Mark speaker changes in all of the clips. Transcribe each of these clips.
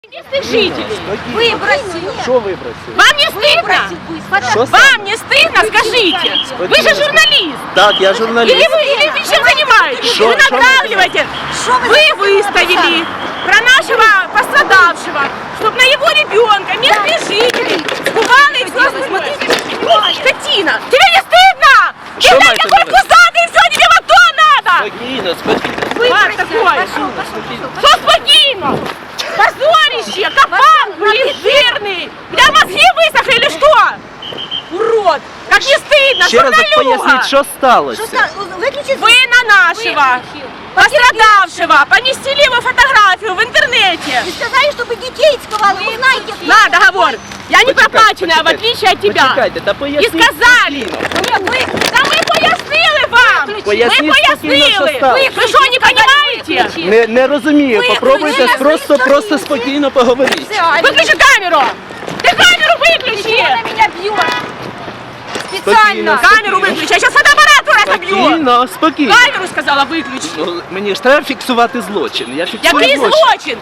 Speaker 1: Местных жителей.
Speaker 2: Выбросили.
Speaker 3: Что выбросили?
Speaker 1: Вам не стыдно? Вам не стыдно, скажите? Вы же журналист.
Speaker 3: Так, я журналист.
Speaker 1: Или вы чем занимаетесь? Вы натравливаете. Вы выставили про нашего пострадавшего, чтобы на его ребенка местные жители скували и все остальное. Скотина! Тебе не стыдно?
Speaker 3: Что
Speaker 1: Ты
Speaker 3: мы это
Speaker 1: такой
Speaker 3: делаем?
Speaker 1: пузатый, все, тебе вот то надо!
Speaker 3: Спокойно, спокойно.
Speaker 1: Как такое? Что спокойно? Позорище! Капан, блин, жирный! Бля, мозги высохли или что? Урод! Как не стыдно,
Speaker 3: Ще раз так поясніть,
Speaker 1: журналюга!
Speaker 3: що сталося.
Speaker 1: Вы на нашего пострадавшего поместили его фотографию в интернете.
Speaker 2: Вы сказали, чтобы детей сковали. Вы знаете,
Speaker 1: На, договор. Я не проплаченная, в отличие от тебя.
Speaker 3: Почекайте, та
Speaker 1: И
Speaker 3: поясніть.
Speaker 1: сказали. Да мы пояснили вам.
Speaker 3: Поясніть
Speaker 1: Мы
Speaker 3: спокійно, що
Speaker 1: пояснили.
Speaker 3: сталося.
Speaker 1: Вы что, не понимаете?
Speaker 3: Не розумію, попробуйте
Speaker 2: ви
Speaker 3: просто спокійно поговорити.
Speaker 1: Выключи камеру. Ты камеру выключи.
Speaker 2: на меня бьет.
Speaker 3: Спокійно,
Speaker 1: Камеру выключи. Я сейчас фотоаппарат разобью.
Speaker 3: Спокійно, спокійно.
Speaker 1: Камеру сказала выключи.
Speaker 3: Ну, мені ж треба фіксувати злочин. Я фіксую
Speaker 1: Який
Speaker 3: злочин.
Speaker 1: злочин?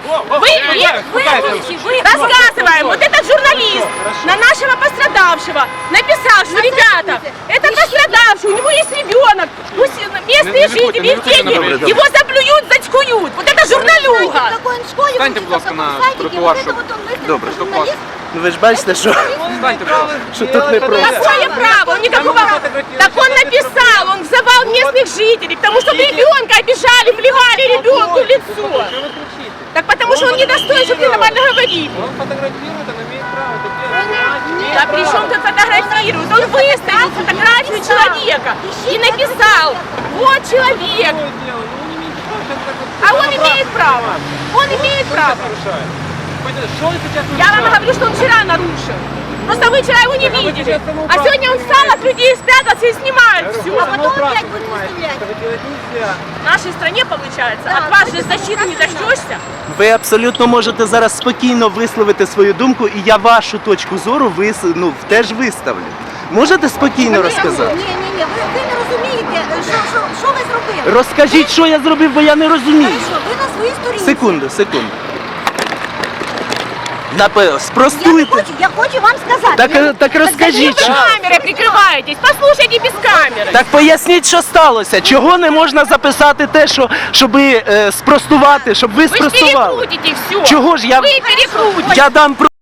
Speaker 1: Рассказываем. Вот этот журналист на нашего пострадавшего написал, что, ребята, это пострадавший, у него есть ребенок, пусть местные жители, их дети, его заплюют, зацькуют. Вот это журналюга.
Speaker 2: Какой он в школе
Speaker 4: Станьте, будь ласка, на тротуар, щоб- Добре,
Speaker 2: журналист.
Speaker 3: Ну, ви ж бачите, що тут не просто.
Speaker 1: Какое право? Он никакого... Так он написал, он взывал местных жителей, потому что ребенка обижали, плевали ребенку в лицо. Так потому что он не достоин, чтобы ты нормально говорить.
Speaker 4: Он фотографирует, он имеет право это делать.
Speaker 1: Да при чем тут фотографирует? Он выставил фотографию человека и написал, вот человек. А он имеет право. Он имеет право.
Speaker 4: Что он сейчас
Speaker 1: Я вам говорю, что он вчера нарушил. Просто вы вчера его не видели. А сегодня он встал от людей, спрятался и снимает
Speaker 2: А
Speaker 1: все.
Speaker 2: потом опять будет выставлять.
Speaker 4: этого делать нельзя.
Speaker 1: В нашей стране получается. От вас же защиты не дождешься.
Speaker 3: Ви абсолютно можете зараз спокійно висловити свою думку, і я вашу точку зору теж виставлю. Можете спокійно розказати?
Speaker 2: Ні, ви не розумієте, що ви зробили.
Speaker 3: Розкажіть, що я зробив, бо я не розумію.
Speaker 2: Хорошо, ви на своїй сторінці.
Speaker 3: Секунду.
Speaker 2: Я
Speaker 3: Спростуйте.
Speaker 2: хочу вам сказати.
Speaker 3: Так розкажіть,
Speaker 1: Вы
Speaker 3: що...
Speaker 1: камерой прикрываетесь. Послушайте без камеры.
Speaker 3: Так поясніть, що сталося. Чого не можна записати те, щоб спростувати, щоб ви
Speaker 1: Вы же
Speaker 3: спростували?
Speaker 1: перекрутите все.
Speaker 3: Чого ж я...
Speaker 1: Вы перекрутите.
Speaker 3: Я дам